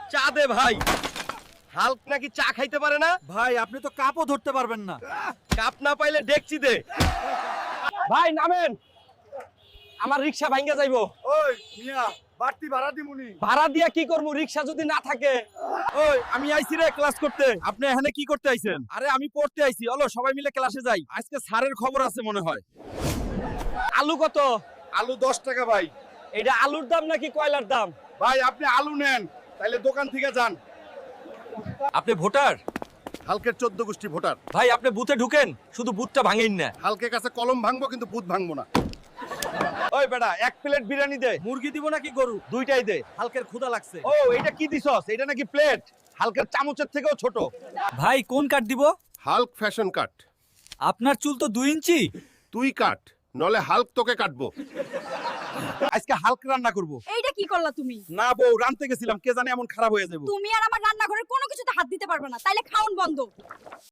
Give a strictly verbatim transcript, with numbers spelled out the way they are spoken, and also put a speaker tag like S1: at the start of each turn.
S1: চা দে ভাই। হাল্ক নাকি চা খাইতে পারে না?
S2: ভাই আপনি তো কাপও ধরতে পারবেন না।
S1: কাপ না পাইলে ডেকচি দে। ভাই নামেন, আমার রিকশা ভাঙ্গা যাইবো।
S2: ওই মিয়া বাড়তি ভাড়া দিমুনি।
S1: ভাড়া দিয়া কি করবো, রিকশা যদি না থাকে?
S2: ওই আমি আইছি রে ক্লাস করতে। আপনি এখানে কি করতে আইছেন? আরে আমি পড়তে আইছি। চলো সবাই মিলে ক্লাসে যাই। আজকে স্যারের খবর আছে মনে হয়।
S1: আলু কত?
S2: আলু দশ টাকা ভাই।
S1: এটা আলুর দাম নাকি কয়লার দাম?
S2: ভাই আপনি আলু নেন, তাইলে দোকান থেকে যান।
S1: আপনি ভোটার?
S2: হালকের চোদ্দ গোষ্ঠী ভোটার।
S1: ভাই আপনি বুথে ঢুকেন, শুধু বুথটা ভাঙেন না।
S2: হালকের কাছে কলম ভাঙবো কিন্তু বুথ ভাঙবো না।
S1: ওই বেটা, এক প্লেট বিরিয়ানি দে।
S2: মুরগি দিব নাকি গরু?
S1: দুইটাই দে।
S2: হালকের ক্ষুধা লাগছে।
S1: ও এটা কি দিছস? এটা নাকি প্লেট? হালকার চামচের থেকেও ছোট।
S3: ভাই কোন কাট দিব?
S4: Hulk fashion cut.
S3: আপনার চুল তো দুই ইঞ্চি।
S4: তুই কাট, নলে হাল্ক তোকে কাটবো।
S2: আজকে হালক রান্না করব।
S5: এইটা কি করলা তুমি?
S2: না বউ, রানতে গেছিলাম, কে জানে এমন খারাপ হয়ে যাবে।
S5: তুমি আর আমার রান্নাঘরের কোনো কিছুতে হাত দিতে পারবে না, তাইলে খাওন বন্ধ।